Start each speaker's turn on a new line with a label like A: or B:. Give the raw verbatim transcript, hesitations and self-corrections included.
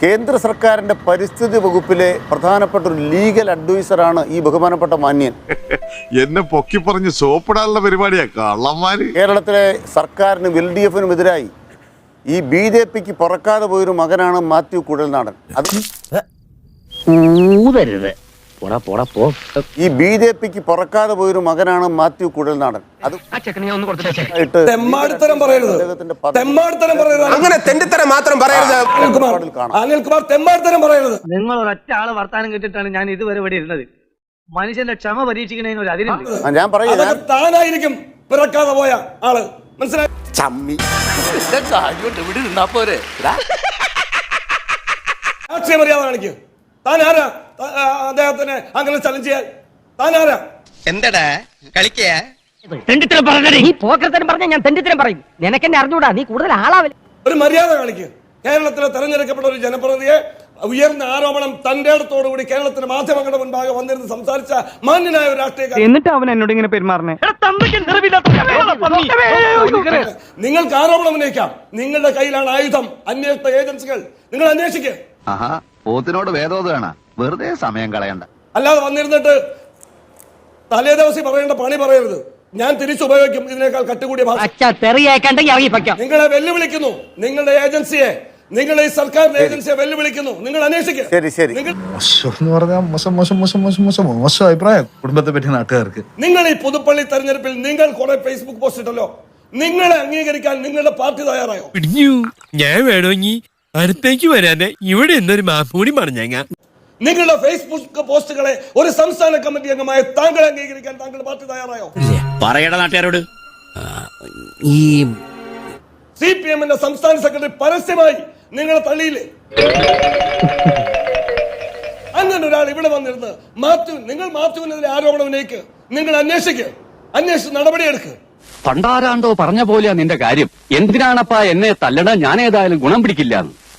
A: കേന്ദ്ര സർക്കാരിന്റെ പരിസ്ഥിതി വകുപ്പിലെ പ്രധാനപ്പെട്ട ഒരു ലീഗൽ അഡ്വൈസറാണ് ഈ ബഹുമാനപ്പെട്ട മാന്യൻ.
B: എന്നെ പൊക്കി പറഞ്ഞ് സോപ്പിടാനുള്ള പരിപാടിയാ കള്ളന്മാര്.
A: കേരളത്തിലെ സർക്കാരിനും എൽ ഡി എഫിനും എതിരായി ഈ ബി ജെ പിക്ക് പറക്കാതെ പോയൊരു മകനാണ് മാത്യു കുഴൽനാടൻ. അത് ഈ ബി ജെ പിക്ക് പറക്കാതെ പോയൊരു മകനാണ് മാത്യു കുഴൽനാടൻ. അത്
C: തെമ്മാടിത്തരം പറയരുത്, തെമ്മാടിത്തരം പറയരുത്, അങ്ങനെ തെണ്ടിത്തരം മാത്രം പറയരുത്. അനിൽകുമാർ തെമ്മാടിത്തരം പറയരുത്.
D: നിങ്ങൾ ഒരൊറ്റ ആള് വർത്താനം കേട്ടിട്ടാണ് ഞാൻ ഇതുവരെ ഇവിടെ ഇരുന്നത്. മനുഷ്യന്റെ ക്ഷമ പരീക്ഷിക്കുന്നതിന് ഒരു അതിരുണ്ട്.
A: ഞാൻ പറയുന്നത്
C: താനായിരിക്കും പിറക്കാതെ പോയ ആള്, മനസ്സിലായി? രാഷ്ട്രീയ മര്യാദ കാണിക്കും. താൻ ആരാ അദ്ദേഹത്തിന് അങ്ങനെ ചലഞ്ച് ചെയ്യാൻ? താൻ ആരാ?
E: എന്തടാ കളിക്കയാ?
D: പറയും നിനക്കെന്നെ അറിഞ്ഞൂടാ, നീ കൂടുതൽ ആളാവില്ല.
C: ഒരു മര്യാദ കാണിക്കുക. കേരളത്തിലെ തെരഞ്ഞെടുക്കപ്പെട്ട ഒരു ജനപ്രതിനിധിയെ ഉയർന്ന ആരോപണം തന്റെ അടുത്തോടുകൂടി കേരളത്തിന്റെ മാധ്യമങ്ങളുടെ മുൻപാകെ വന്നിരുന്ന് സംസാരിച്ച മാന്യനായ ഒരു രാഷ്ട്രീയക്കാരൻ.
D: എന്നിട്ട് അവൻ എന്നോട് ഇങ്ങനെ പെരുമാറണേ?
C: നിങ്ങൾക്ക് ആരോപണം ഉന്നയിക്കാം. നിങ്ങളുടെ കയ്യിലാണ് ആയുധം. അന്വേഷണ ഏജൻസികൾ നിങ്ങൾ അന്വേഷിക്കുക.
F: പോത്തിനോട് വേദോദാണ്, വെറുതെ സമയം കളയണ്ട.
C: അല്ലാതെ വന്നിരുന്നിട്ട് തലേ ദിവസം പറയേണ്ട പണി പറയരുത്. ഞാൻ തിരിച്ചുപയോഗിക്കും ഇതിനേക്കാൾ കട്ടുകൂടിയ ഭാഷ. നിങ്ങളെ വെല്ലുവിളിക്കുന്നു, നിങ്ങളുടെ ഏജൻസിയെ, നിങ്ങളുടെ ഈ സർക്കാരിന്റെ ഏജൻസിയെ വെല്ലുവിളിക്കുന്നു. നിങ്ങൾ അന്വേഷിക്കുക.
G: മോശം അഭിപ്രായം കുടുംബത്തെ പറ്റി നാട്ടുകാർക്ക്.
C: നിങ്ങൾ ഈ പുതുപ്പള്ളി തെരഞ്ഞെടുപ്പിൽ നിങ്ങൾ കുറെ ഫേസ്ബുക്ക് പോസ്റ്റ് ഇട്ടല്ലോ. നിങ്ങളെ അംഗീകരിക്കാൻ നിങ്ങളുടെ പാർട്ടി തയ്യാറായോ?
H: ഞാൻ വേണമെങ്കിൽ അടുത്തേക്ക് വരാതെ ഇവിടെ എന്തൊരു മാപ്പൂടി പറഞ്ഞേങ്ങ.
C: നിങ്ങളുടെ ഫേസ്ബുക്ക് പോസ്റ്റുകളെ ഒരു സംസ്ഥാന കമ്മിറ്റി അംഗമായ താങ്കൾ അംഗീകരിക്കാൻ താങ്കളുടെ പാർട്ടി തയ്യാറായോ?
H: പറയട നാട്ടുകാരോട്.
C: ഈ സി പി എമ്മിന്റെ സംസ്ഥാന സെക്രട്ടറി പരസ്യമായി നിങ്ങളെ തള്ളിയില്ലേ? അങ്ങനെ ഒരാൾ ഇവിടെ വന്നിരുന്ന് മാത്യു, നിങ്ങൾ മാത്യുവിനെതിരെ ആരോപണം ഉന്നയിക്കുക. നിങ്ങൾ അന്വേഷിക്കുക, അന്വേഷിച്ച് നടപടിയെടുക്കുക.
I: പണ്ടാരാണ്ടോ പറഞ്ഞ പോലെയാ നിന്റെ കാര്യം. എന്തിനാണപ്പാ എന്നെ തല്ലണ? ഞാൻ ഏതായാലും ഗുണം പിടിക്കില്ല.